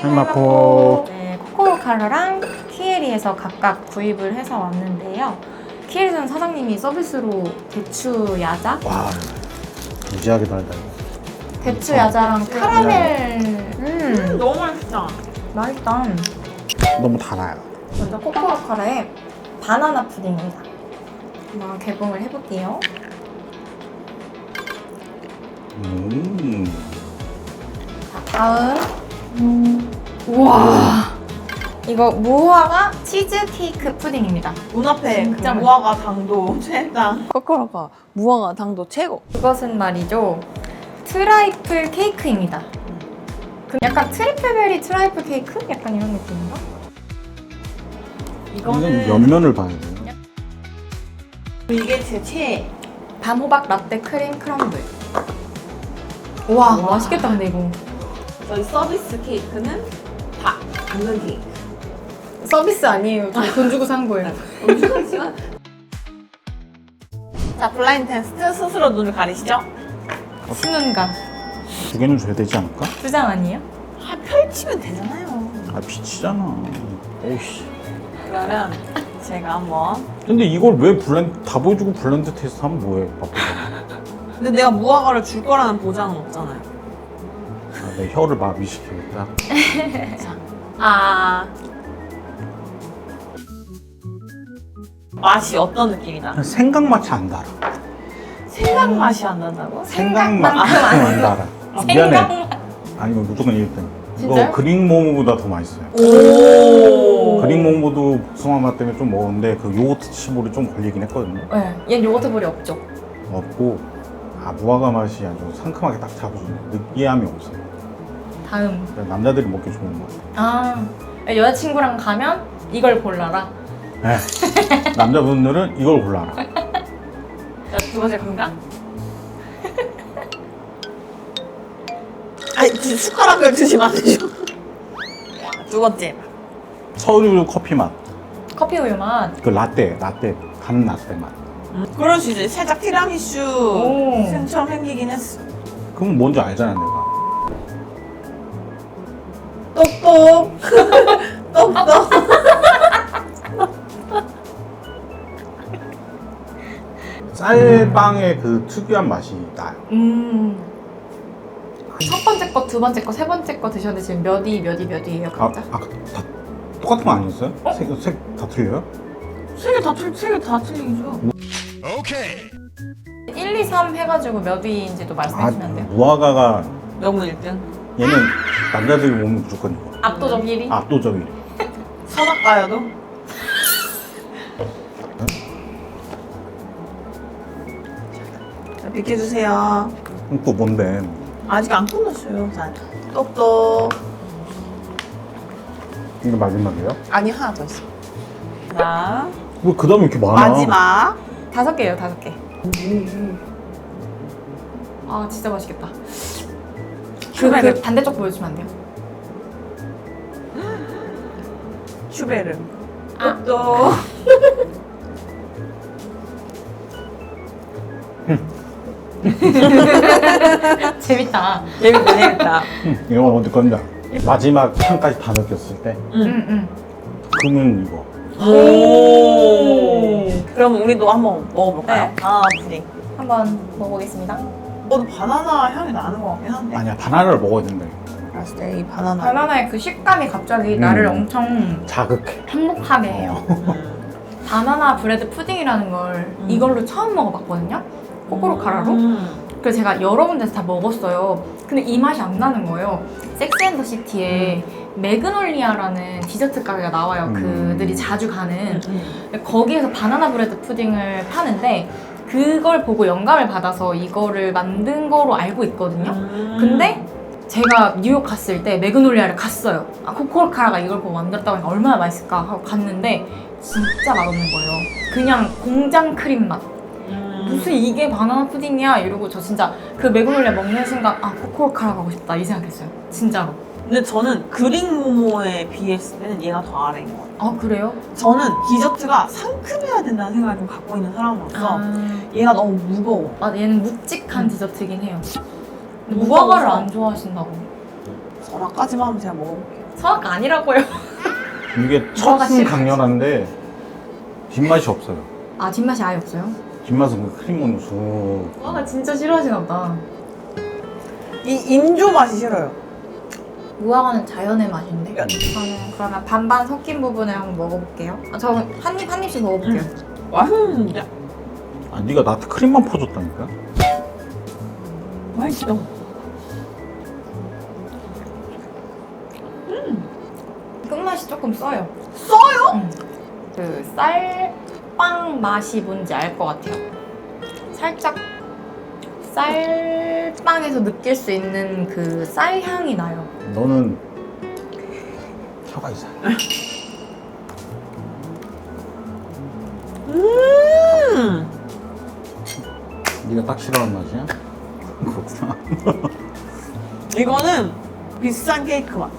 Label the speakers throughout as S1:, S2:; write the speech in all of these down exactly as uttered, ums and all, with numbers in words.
S1: 할마포.
S2: 네, 코코로카르랑 키에리에서 각각 구입을 해서 왔는데요. 키에리에서는 사장님이 서비스로 대추 야자,
S1: 와, 무지하게 달다 이거.
S2: 대추 야자랑 카라멜. 음,
S3: 너무 맛있다.
S2: 맛있다.
S1: 너무 달아요.
S2: 먼저 코코로카르의 바나나 푸딩입니다. 한번 개봉을 해볼게요.
S1: 음.
S2: 자, 다음. 음. 우와. 이거 무화과 치즈 케이크 푸딩입니다.
S3: 눈앞에
S2: 진짜
S3: 그 무화과 당도 최다. 코코로카 무화과 당도 최고.
S2: 이것은 말이죠. 트라이플 케이크입니다. 그 약간 트리플베리 트라이플 케이크? 약간 이런 느낌인가?
S1: 이건
S3: 이거는
S1: 옆면을 봐야 돼요.
S3: 이게 제 최애.
S2: 밤호박 라떼 크림 크럼블. 우와,
S3: 우와.
S2: 맛있겠다 근데 이거.
S3: 저희 서비스 케이크는 다 당근 케이크.
S2: 서비스 아니에요. 저 돈 주고 산 거예요.
S3: 엄청나지만. 자, 블라인드 테스트 스스로 눈을 가리시죠?
S2: 신혼가.
S1: 두 개는 줘야 되지 않을까?
S2: 두 장 아니에요?
S3: 아, 펼치면 되잖아요.
S1: 아, 빛이잖아. 오씨.
S3: 그러면 제가 한번.
S1: 근데 이걸 왜 블렌드 다 보여주고 블렌드 테스트 하면 뭐해? 바쁘다.
S3: 근데 내가 무화과를 줄 거라는 보장은 없잖아요.
S1: 아, 내 혀를 마비시키겠다.
S3: 아. 맛이 어떤 느낌이다?
S1: 생각 맛이 안 달아.
S3: 생각 맛이 안 난다고?
S1: 생각만큼
S2: 생각만큼
S1: 안 달아. 아, 미안해. 아니 이거 무조건 일 등. 이거
S2: 진짜요?
S1: 그릭 모모보다 더 맛있어요.
S3: 오.
S1: 그릭 모모도 복숭아 맛 때문에 좀 먹었는데 그 요거트 치볼이 좀 걸리긴 했거든요.
S2: 네. 얘는 요거트 볼이 없죠.
S1: 없고 아 무화과 맛이 아주 상큼하게 딱 잡아주네. 느끼함이 없어요.
S2: 다음.
S1: 그래서 남자들이 먹기 좋은 것 같아요.
S2: 아, 여자친구랑 가면 이걸 골라라.
S1: 네. 남자분들은 이걸 골라라.
S3: 자, 두 번째 건강. 아니, 지- 숟가락을 드시면 안 되죠. 두 번째.
S1: 서류 커피 맛.
S2: 커피 우유 맛.
S1: 그 라떼, 라떼, 간 라떼 맛.
S3: 음, 그럴 수 있지. 살짝 티라미슈
S2: 오.
S3: 생처럼 생기긴 했어.
S1: 그럼 뭔지 알잖아 내가.
S3: 똑똑. 똑똑.
S1: 쌀빵의 그 특유한 맛이 나요.
S2: 음. 첫 번째 거, 두 번째 거, 세 번째 거 드셨는데 지금 몇 위, 몇 위, 몇 위예요,
S1: 아,
S2: 각자?
S1: 아, 다 똑같은 거 아니었어요?
S2: 어?
S1: 색, 색 다 틀려요?
S3: 세 개 다 틀, 세개 다 틀리죠.
S2: 일, 이, 삼 해가지고 몇 위인지도
S1: 아,
S2: 말씀해 주시면 돼요.
S1: 무화과가
S3: 명문 일 등.
S1: 얘는 남자들이 먹으면 무조건 이거.
S2: 압도적 일 위?
S1: 압도적 일 위.
S3: 선악과여도. 자, 비켜주세요.
S1: 그럼 또 뭔데?
S3: 아직 안 끝났어요. 자, 똑똑.
S1: 이거 마지막이에요?
S3: 아니, 하나 더 있어. 자,
S1: 왜 그 다음에 이렇게 많아?
S3: 마지막.
S2: 다섯 개예요, 다섯 개. 아, 진짜 맛있겠다. 그,
S3: 슈베르.
S2: 그 반대쪽 보여주면 안 돼요?
S3: 슈베르.
S2: 아.
S3: 똑똑.
S2: 재밌다.
S3: 재밌다, 재밌다.
S1: 응, 이건 어디 건데? 마지막 향까지 다 느꼈을 때
S2: 응, 응.
S1: 그러면 이거.
S3: 오. 그럼 우리도 한번 먹어볼까요?
S2: 네.
S3: 바나나 푸딩.
S2: 한번 먹어보겠습니다.
S3: 어, 바나나 향이 나는 것 같긴 한데.
S1: 아니야 바나나를 먹어야 된다.
S3: 알았을 때 이 바나나.
S2: 바나나의 그 식감이 갑자기
S1: 음.
S2: 나를 엄청
S1: 자극해.
S2: 행복하게 해요.
S3: 음.
S2: 바나나 브레드 푸딩이라는 걸
S3: 음.
S2: 이걸로 처음 먹어봤거든요. 코코로카라로.
S3: 음.
S2: 그래서 제가 여러 군데서 다 먹었어요. 근데 이 맛이 안 나는 거예요. 섹스앤더시티에 매그놀리아라는 디저트 가게가 나와요.
S1: 음.
S2: 그들이 자주 가는.
S3: 음.
S2: 거기에서 바나나 브레드 푸딩을 파는데 그걸 보고 영감을 받아서 이거를 만든 거로 알고 있거든요.
S3: 음.
S2: 근데 제가 뉴욕 갔을 때 매그놀리아를 갔어요. 아, 코코로카라가 이걸 보고 만들었다고 하니까 얼마나 맛있을까 하고 갔는데 진짜 맛없는 거예요. 그냥 공장 크림 맛.
S3: 음.
S2: 무슨 이게 바나나 푸딩이야? 이러고 저 진짜 그 매그놀리아 먹는 순간 아, 코코로카라 가고 싶다 이 생각했어요. 진짜로.
S3: 근데 저는 그릭 모모에 비했을 때는 얘가 더 아래인 것 같아요.
S2: 아, 그래요?
S3: 저는 디저트가 상큼해야 된다는 생각을 좀 갖고 있는 사람으로서 얘가 너무 무거워.
S2: 아, 얘는 묵직한 디저트긴 해요. 근데
S3: 무거워서.
S2: 무화과를 안 좋아하신다고.
S3: 선악까지만 하면 제가 먹어볼게요.
S2: 선악과 아니라고요.
S1: 이게
S2: 무화과
S1: 첫은
S2: 싫어.
S1: 강렬한데 뒷맛이 없어요.
S2: 아 뒷맛이 아예 없어요?
S1: 뒷맛은 그 크림은 쑥.
S2: 무화과 진짜 싫어하시나 보다.
S3: 이 인조 맛이 싫어요.
S2: 무화과는 자연의 맛인데.
S3: 그러니까.
S2: 저는 그러면 반반 섞인 부분을 한번 먹어볼게요. 아, 저는 한 입 한 입씩 먹어볼게요.
S3: 맛있는데?
S1: 아 네가 나한테 크림만 퍼줬다니까?
S3: 맛있어.
S2: 끝맛이 조금 써요.
S3: 써요?
S2: 응. 그 쌀빵 맛이 뭔지 알 것 같아요. 살짝 쌀빵에서 느낄 수 있는 그 쌀 향이 나요.
S1: 너는 혀가 이상.
S3: 음.
S1: 네가 딱 싫어하는 맛이야? 그렇구나.
S3: 이거는 비싼 케이크 맛.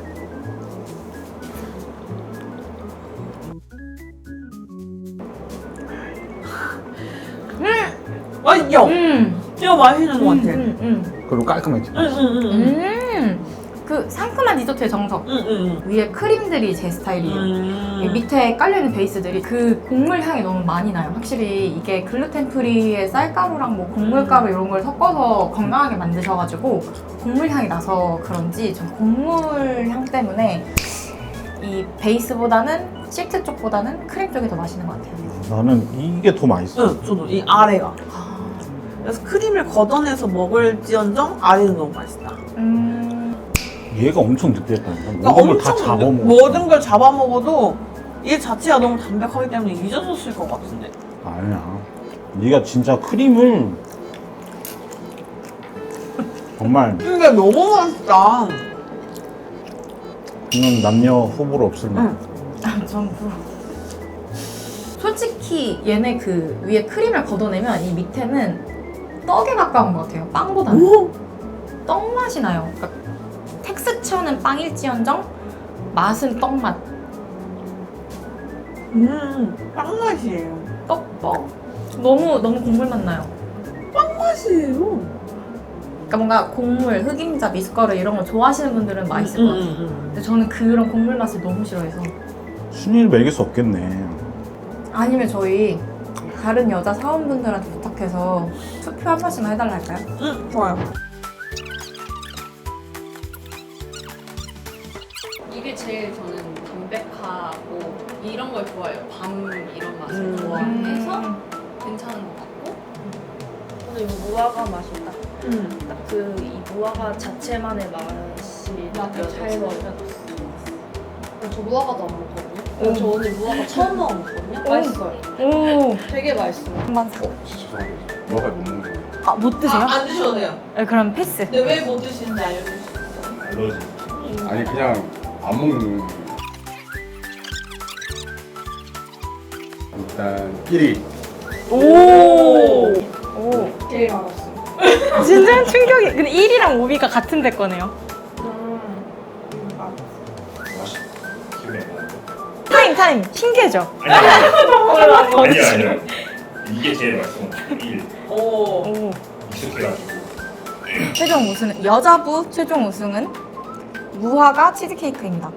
S3: 음. 맛있죠?
S2: 음.
S3: 이거 맛있는 것 같아.
S2: 음, 음,
S1: 그리고 깔끔했지.
S3: 응, 응, 응.
S2: 음. 음. 그 상큼한 디저트의 정석.
S3: 응, 응,
S2: 위에 크림들이 제
S3: 응.
S2: 스타일이에요. 이
S3: 음.
S2: 밑에 깔려있는 베이스들이 그 곡물 향이 너무 많이 나요. 확실히 이게 글루텐 프리의 쌀가루랑 뭐 곡물가루 이런 걸 섞어서 건강하게 만드셔가지고 곡물 향이 나서 그런지 전 곡물 향 때문에 이 베이스보다는 시트 쪽보다는 크림 쪽이 더 맛있는 것 같아요.
S1: 나는 이게 더 맛있어.
S3: 응, 저도 이 아래가. 그래서 크림을 걷어내서 먹을지언정 아래는 너무 맛있다.
S2: 음,
S1: 얘가 엄청 느끼했다니까.
S3: 그러니까
S1: 모든 걸 다
S3: 엄청
S1: 잡아먹어.
S3: 모든 걸 잡아먹어도 이 자체가 너무 담백하기 때문에 잊어졌을 것 같은데.
S1: 아니야. 네가 진짜 크림을 정말
S3: 근데 너무 맛있다.
S1: 이건 남녀 후보로 없을 맛.
S3: 응.
S2: 아, 전 그... 솔직히 얘네 그 위에 크림을 걷어내면 이 밑에는 떡에 가까운 것 같아요. 빵보다는.
S3: 오!
S2: 떡 맛이 나요. 그러니까 텍스처는 빵일지언정 맛은 떡 맛.
S3: 음, 빵 맛이에요.
S2: 떡떡. 너무 너무 곡물 맛 나요.
S3: 빵 맛이에요.
S2: 그러니까 뭔가 곡물, 흑임자, 미숫가루 이런 거 좋아하시는 분들은 맛있을 것 같아요.
S3: 음,
S2: 근데 저는 그런 곡물 맛을 너무 싫어해서.
S1: 순위를 매길 수 없겠네.
S2: 아니면 저희 다른 여자 사원분들한테 부탁해서 투표 한 번씩만 해달라 할까요?
S3: 음, 음, 좋아요.
S4: 이게 제일 저는 담백하고 이런 걸 좋아해요. 밤 이런 맛을
S3: 음.
S4: 좋아해서 괜찮은 것 같고
S5: 저는 이 무화과 맛이 딱,
S3: 음.
S5: 딱 그 이 무화과 자체만의 맛이
S4: 맞아요.
S5: 잘 먹어졌어.
S4: 저 무화과도 안 먹거든요.
S2: 오.
S4: 저 오늘 무화과 처음 먹어봤거든요.
S2: 오.
S4: 맛있어요.
S2: 오,
S4: 되게 맛있어요.
S2: 한번
S1: 뭐가 못 먹는 거야?
S2: 아, 못 드세요?
S3: 아, 안 드셔도 돼요.
S2: 네, 그럼 패스.
S3: 근데 왜 못 드시는지 알려주실 수 있어요?
S6: 알러지. 아니 그냥 안 먹는. 일단 일 위.
S2: 오. 오.
S4: 제일 맛있어요.
S2: 진짜 충격이. 근데 일 위랑 오 위가 같은 데 거네요.
S6: 맛이 기분이 안 나요.
S2: 타임 타임. 신기해져.
S6: 아니야 아니야. 이게 제일 맛있어. 일.
S3: 오.
S2: 오.
S6: 익숙해가지고.
S2: 최종 우승은 여자부 최종 우승은 무화과 치즈케이크입니다.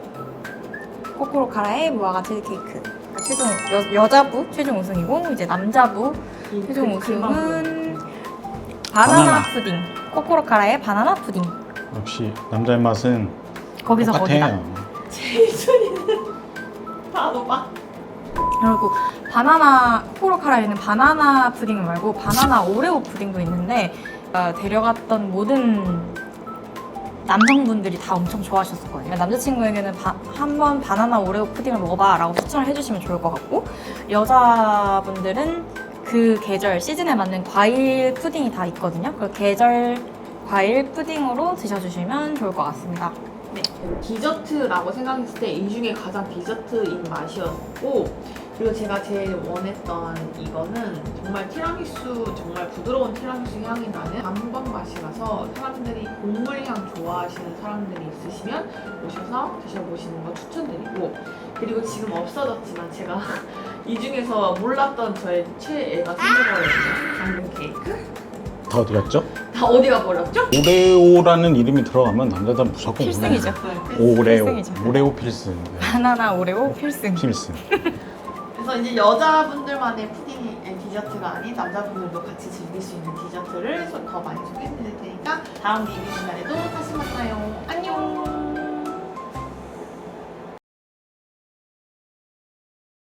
S2: 코코로카라의 무화과 치즈케이크. 최종 여, 여자부 최종 우승이고 이제 남자부 최종 우승은 바나나,
S1: 바나나.
S2: 푸딩. 코코로카라의 바나나 푸딩.
S1: 역시 남자의 맛은
S2: 거기서 거기다.
S1: 똑같아요.
S3: 바로 봐.
S2: 그리고 바나나 코코로카라에는 바나나 푸딩 말고 바나나 오레오 푸딩도 있는데 어, 데려갔던 모든 남성분들이 다 엄청 좋아하셨었거든요. 남자친구에게는 바, 한번 바나나 오레오 푸딩을 먹어봐 라고 추천을 해주시면 좋을 것 같고 여자분들은 그 계절 시즌에 맞는 과일 푸딩이 다 있거든요. 그 계절 과일 푸딩으로 드셔주시면 좋을 것 같습니다.
S7: 네, 디저트라고 생각했을 때 이 중에 가장 디저트인 맛이었고 그리고 제가 제일 원했던 이거는 정말 티라미수, 정말 부드러운 티라미수 향이 나는 단번 맛이라서 사람들이 곡물향 좋아하시는 사람들이 있으시면 오셔서 드셔보시는 거 추천드리고 그리고 지금 없어졌지만 제가 이 중에서 몰랐던 저의 최애가 생겨버렸어요. 당근 케이크.
S1: 다 어디 갔죠?
S7: 다 어디가 버렸죠?
S1: 오레오라는 이름이 들어가면 남자들은 무조건
S2: 필승이죠.
S1: 오레오. 오레오.
S2: 필승이죠.
S1: 오레오 필승. 네.
S2: 바나나 오레오 필승.
S1: 필승.
S7: 그래서 이제 여자분들만의 푸딩 앤 디저트가 아닌 남자분들도 같이 즐길 수 있는 디저트를 더 많이 소개해드릴 테니까 다음 리뷰 시간에도 다시 만나요. 안녕.